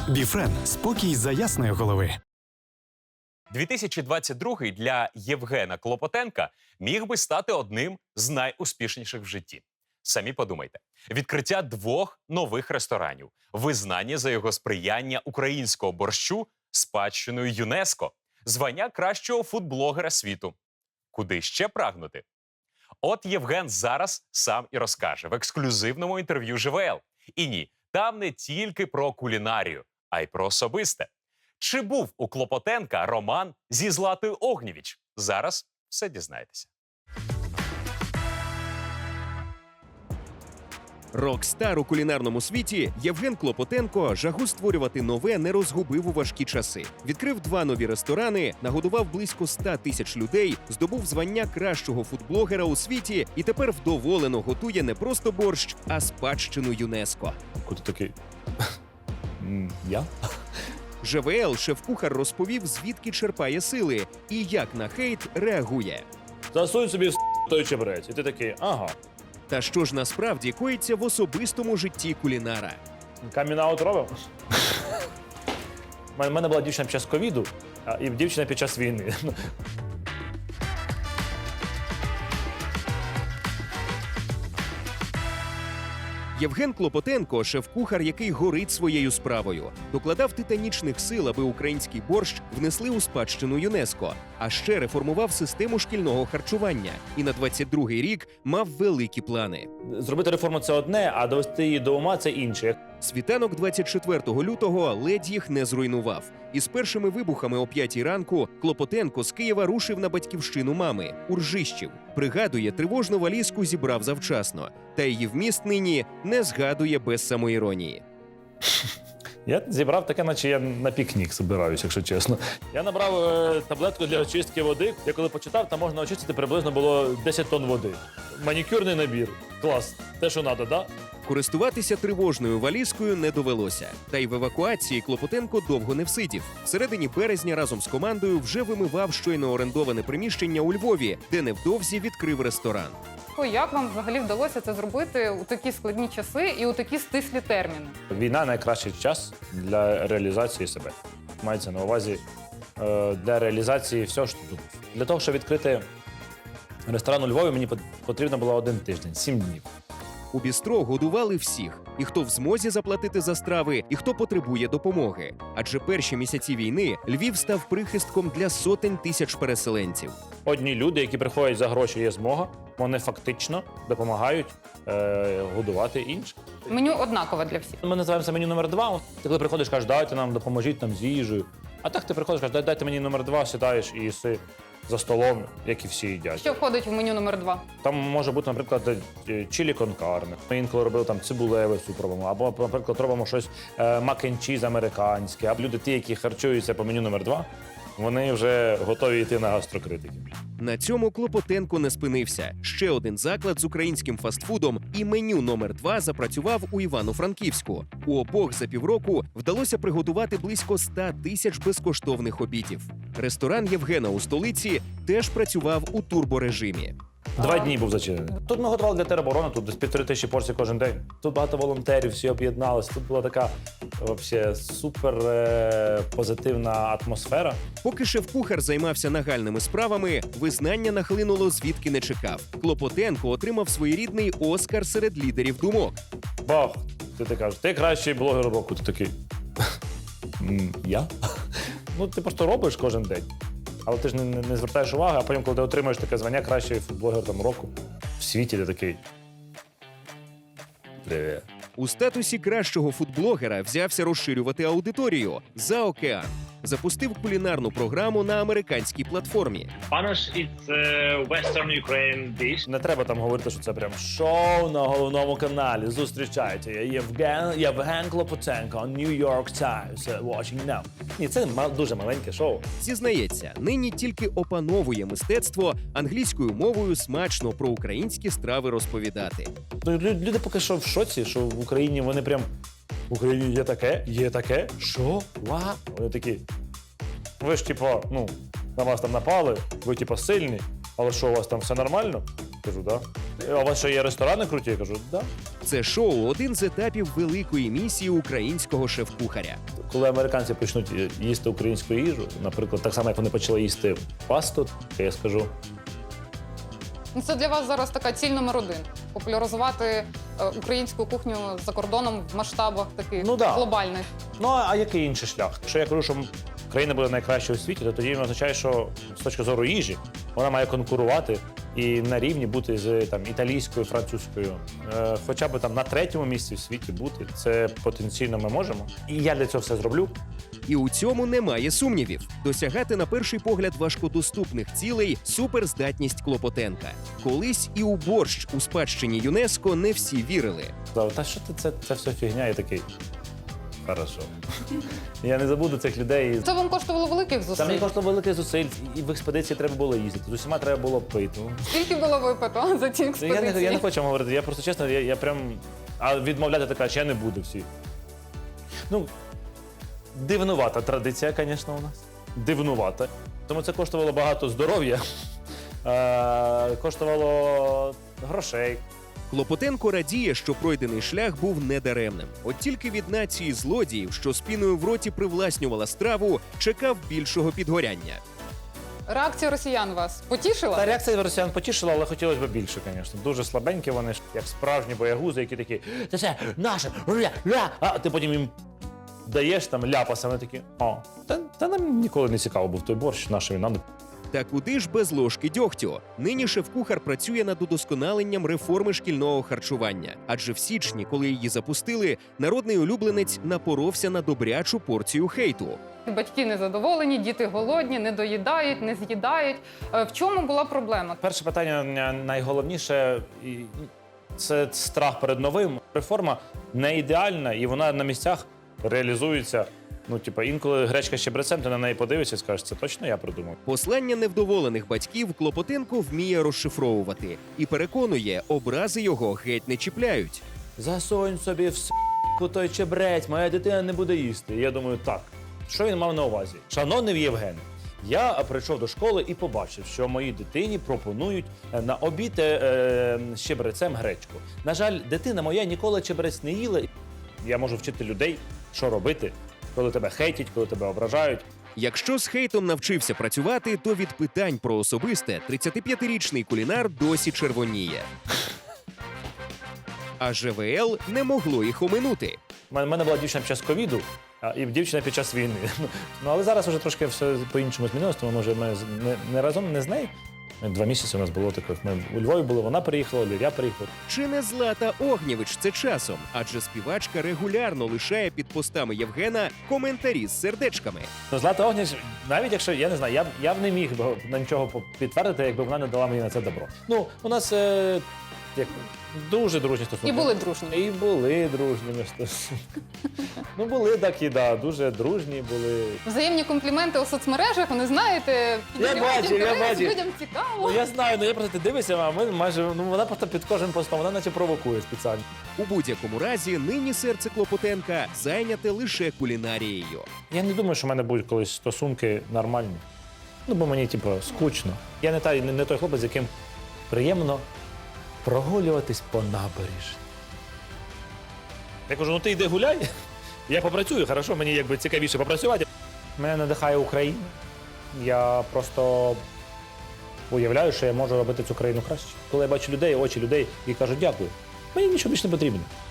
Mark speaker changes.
Speaker 1: Біфрен – спокій за ясної голови.
Speaker 2: 2022 для Євгена Клопотенка міг би стати одним з найуспішніших в житті. Самі подумайте. Відкриття 2 нових ресторанів, визнання за його сприяння українського борщу спадщиною ЮНЕСКО, звання кращого фудблогера світу. Куди ще прагнути? От Євген зараз сам і розкаже в ексклюзивному інтерв'ю ЖВЛ. І ні, там не тільки про кулінарію, а й про особисте. Чи був у Клопотенка роман зі Златою Огнєвіч? Зараз все дізнаєтеся.
Speaker 3: Рок-стар у кулінарному світі Євген Клопотенко жагу створювати нове не розгубив у важкі часи. Відкрив 2 нові ресторани, нагодував близько 100 тисяч людей, здобув звання кращого фудблогера у світі і тепер вдоволено готує не просто борщ, а спадщину ЮНЕСКО.
Speaker 4: Куди такий? Я?
Speaker 3: ЖВЛ шеф-кухар розповів, звідки черпає сили і як на хейт реагує.
Speaker 4: Засунь собі в той чебрець. І ти такий, ага.
Speaker 3: Та що ж насправді коїться в особистому житті кулінара?
Speaker 4: Камін-аут робив? У мене була дівчина під час ковіду, і дівчина під час війни.
Speaker 3: Євген Клопотенко – шеф-кухар, який горить своєю справою. Докладав титанічних сил, аби український борщ внесли у спадщину ЮНЕСКО. А ще реформував систему шкільного харчування. І на 22-й рік мав великі плани.
Speaker 4: Зробити реформу – це одне, а довести її до ума – це інше.
Speaker 3: Світанок 24 лютого ледь їх не зруйнував. Із першими вибухами о 5-й ранку Клопотенко з Києва рушив на батьківщину мами – Уржищів. Пригадує, тривожну валізку зібрав завчасно. Та її вміст нині не згадує без самоіронії.
Speaker 4: Я зібрав таке, наче я на пікнік збираюсь, якщо чесно. Я набрав таблетку для очистки води. Я коли почитав, там можна очистити приблизно було 10 тонн води. Манікюрний набір. Клас. Те, що треба, да?
Speaker 3: Користуватися тривожною валізкою не довелося. Та й в евакуації Клопотенко довго не всидів. В середині березня разом з командою вже вимивав щойно орендоване приміщення у Львові, де невдовзі відкрив ресторан.
Speaker 5: Як вам взагалі вдалося це зробити у такі складні часи і у такі стислі терміни?
Speaker 4: Війна – найкращий час для реалізації себе. Мається на увазі для реалізації всього, що тут. Для того, щоб відкрити ресторан у Львові, мені потрібно було 1 тиждень, 7 днів.
Speaker 3: У бістро годували всіх – і хто в змозі заплатити за страви, і хто потребує допомоги. Адже перші місяці війни Львів став прихистком для сотень тисяч переселенців.
Speaker 4: Одні люди, які приходять за гроші, є змога, вони фактично допомагають годувати інших.
Speaker 5: Меню однакове для всіх.
Speaker 4: Ми називаємо це меню номер 2. Ти коли приходиш, кажеш, дайте нам, допоможіть нам з їжею. А так ти приходиш, кажеш, дайте мені номер 2, сідаєш і їси за столом, як і всі їдять.
Speaker 5: Що входить в меню номер 2?
Speaker 4: Там може бути, наприклад, чилі кон карне. Ми інколи робили там цибулевий суп робимо, або, наприклад, робимо щось мак-н-чіз американське. А люди, ті, які харчуються по меню номер 2, вони вже готові йти на гастрокритиків.
Speaker 3: На цьому Клопотенко не спинився. Ще один заклад з українським фастфудом і меню номер 2 запрацював у Івано-Франківську. У обох за півроку вдалося приготувати близько 100 тисяч безкоштовних обідів. Ресторан Євгена у столиці теж працював у турборежимі.
Speaker 4: 2 дні був зачинений. Тут ми готували для тероборони, тут десь 1500 порцій кожен день. Тут багато волонтерів, всі об'єдналися. Тут була така вообще супер позитивна атмосфера.
Speaker 3: Поки шеф-кухар займався нагальними справами, визнання нахлинуло звідки не чекав. Клопотенко отримав своєрідний Оскар серед лідерів думок.
Speaker 4: Бах! Ти кажеш, ти кращий блогер року. Ти такий, я? Ну, ти просто робиш кожен день. Але ти ж не звертаєш уваги, а потім, коли ти отримаєш таке звання кращий фудблогер там року в світі, ти такий. Привіт.
Speaker 3: У статусі кращого фудблогера взявся розширювати аудиторію за океан. Запустив кулінарну програму на американській платформі.
Speaker 6: Spanish is Western Ukraine dish.
Speaker 4: Не треба там говорити, що це прям шоу на головному каналі. Зустрічайте, Євген Клопотенко, New York Times, watching now. Ні, це дуже маленьке шоу.
Speaker 3: Зізнається, нині тільки опановує мистецтво англійською мовою смачно про українські страви розповідати.
Speaker 4: Люди поки що в шоці, що в Україні вони прям в Україні є таке? Є таке? Що? Ва? Вони такі. Ви ж, типу, на вас там напали, ви, типу, сильні, але що, у вас там все нормально? Кажу, да. А у вас що є ресторани круті? Я кажу, да.
Speaker 3: Це шоу один з етапів великої місії українського шеф-кухаря.
Speaker 4: Коли американці почнуть їсти українську їжу, наприклад, так само, як вони почали їсти пасту, то я скажу,
Speaker 5: Ну, це для вас зараз така ціль номер один. Популяризувати українську кухню за кордоном в масштабах таких
Speaker 4: Ну, да.
Speaker 5: глобальних.
Speaker 4: ну а який інший шлях? Якщо я кажу, що країна буде найкращою у світі, то тоді він означає, що з точки зору їжі вона має конкурувати і на рівні бути з там італійською, французькою, хоча б там на 3-му місці в світі бути. Це потенційно ми можемо. І я для цього все зроблю.
Speaker 3: І у цьому немає сумнівів. Досягати на перший погляд важкодоступних цілей суперздатність Клопотенка. Колись і у борщ у спадщині ЮНЕСКО не всі вірили.
Speaker 4: Сказав, та що ти, це все фігня, я такий. Хорошо. Я не забуду цих людей.
Speaker 5: Це вам коштувало великих
Speaker 4: Там
Speaker 5: зусиль.
Speaker 4: мені коштувало великих зусиль, і в експедиції треба було їздити. З усіма треба було пити. Ну,
Speaker 5: Скільки було випито за ці
Speaker 4: Я
Speaker 5: експедиції?
Speaker 4: не хочу вам говорити, я просто чесно, я прям. А відмовляти така, що я не буду всі. Ну, дивнувата традиція, звісно, у нас. Дивнувата. Тому це коштувало багато здоров'я, коштувало грошей.
Speaker 3: Клопотенко радіє, що пройдений шлях був недаремним. От тільки від нації злодіїв, що з піною в роті привласнювала страву, чекав більшого підгоряння.
Speaker 5: Реакція росіян вас потішила?
Speaker 4: Та реакція росіян потішила, але хотілося б більше, звісно. Дуже слабенькі вони, ж, як справжні боягузи, які такі, це все наше, ля. А ти потім їм даєш там ляпаса, вони такі, та нам ніколи не цікаво був той борщ, наш він нам.
Speaker 3: Та куди ж без ложки дьогтю? Нині шеф-кухар працює над удосконаленням реформи шкільного харчування. Адже в січні, коли її запустили, народний улюбленець напоровся на добрячу порцію хейту.
Speaker 5: Батьки незадоволені, діти голодні, не доїдають, не з'їдають. В чому була проблема?
Speaker 4: Перше питання найголовніше це страх перед новим. Реформа не ідеальна, і вона на місцях реалізується. Ну, типа, інколи гречка з чебрецем, ти на неї подивишся і скажеш, це точно я придумав.
Speaker 3: Послання невдоволених батьків Клопотенко вміє розшифровувати і переконує, образи його геть не чіпляють.
Speaker 4: Засунь собі в с**ку той чебрець, моя дитина не буде їсти. І я думаю, так, що він мав на увазі? Шановний Євген, я прийшов до школи і побачив, що моїй дитині пропонують на обід з чебрецем гречку. На жаль, дитина моя ніколи чебрець не їла. Я можу вчити людей, що робити, коли тебе хейтять, коли тебе ображають.
Speaker 3: Якщо з хейтом навчився працювати, то від питань про особисте 35-річний кулінар досі червоніє. А ЖВЛ не могло їх оминути.
Speaker 4: У мене була дівчина під час ковіду, і дівчина під час війни. Ну, але зараз вже трошки все по-іншому змінилось, тому може ми не разом, не з нею. 2 місяці у нас було таке. Ми у Львові були, вона приїхала, я приїхав.
Speaker 3: Чи не Злата Огнєвич це часом? Адже співачка регулярно лишає під постами Євгена коментарі з сердечками.
Speaker 4: Ну, Злата Огняч, навіть якщо, я не знаю, я б не міг би на нічого підтвердити, якби вона не дала мені на це добро. Ну, у нас як, дуже дружні стосунки.
Speaker 5: І були дружні.
Speaker 4: І були дружніми стосунки. Ну, були такі, да, дуже дружні були.
Speaker 5: Взаємні компліменти у соцмережах, вони знаєте, піднімають
Speaker 4: бачив,
Speaker 5: інтерес,
Speaker 4: я
Speaker 5: людям цікаво.
Speaker 4: Ну, я знаю, я просто ти дивишся, а ми майже, вона просто під кожним постом, вона наче провокує спеціально.
Speaker 3: У будь-якому разі, нині серце Клопотенка зайняте лише кулінарією.
Speaker 4: Я не думаю, що в мене будуть колись стосунки нормальні. Ну, бо мені, скучно. Я не той хлопець, з яким приємно прогулюватись по набережні. Я кажу, ну ти йди гуляй, я попрацюю, хорошо, мені якби цікавіше попрацювати. Мене надихає Україна. Я просто уявляю, що я можу робити цю країну краще. Коли я бачу людей, очі людей, і кажу, дякую. Мені нічого більше не потрібно.